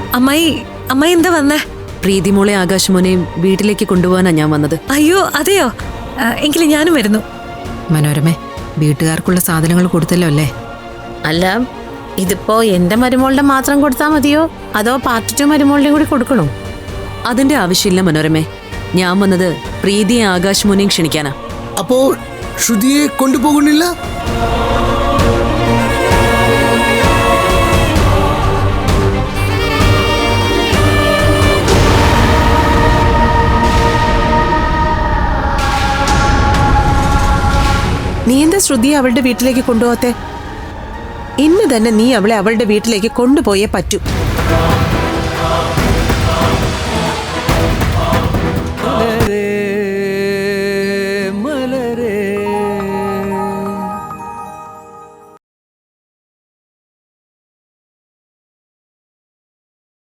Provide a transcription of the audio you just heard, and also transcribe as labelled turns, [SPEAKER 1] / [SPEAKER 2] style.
[SPEAKER 1] അമ്മായി അമ്മായി എന്താ വന്നേ?
[SPEAKER 2] പ്രീതിമോളെ ആകാശമോനെയും വീട്ടിലേക്ക് കൊണ്ടുപോകാനാ ഞാൻ വന്നത്.
[SPEAKER 1] അയ്യോ അതെയോ, എങ്കിലും ഞാനും വരുന്നു.
[SPEAKER 3] മനോരമേ, വീട്ടുകാർക്കുള്ള സാധനങ്ങൾ കൊടുത്തല്ലോ അല്ലേ?
[SPEAKER 4] അല്ല, ഇതിപ്പോ എന്റെ മരുമോളുടെ മാത്രം കൊടുത്താൽ മതിയോ അതോ പാർട്ട് 2 മരുമോളുടെയും കൂടി കൊടുക്കണോ?
[SPEAKER 2] അതിന്റെ ആവശ്യമില്ല മനോരമേ. ഞാൻ വന്നത് പ്രീതിയെ ആകാശമോനെയും ക്ഷണിക്കാനാ.
[SPEAKER 5] അപ്പോ ശ്രുതിയെ കൊണ്ടുപോകുന്നില്ല?
[SPEAKER 6] നീ എന്താ ശ്രുതിയെ അവളുടെ വീട്ടിലേക്ക് കൊണ്ടുപോകത്തെ? ഇന്ന് തന്നെ നീ അവളെ അവളുടെ വീട്ടിലേക്ക് കൊണ്ടുപോയേ പറ്റൂ.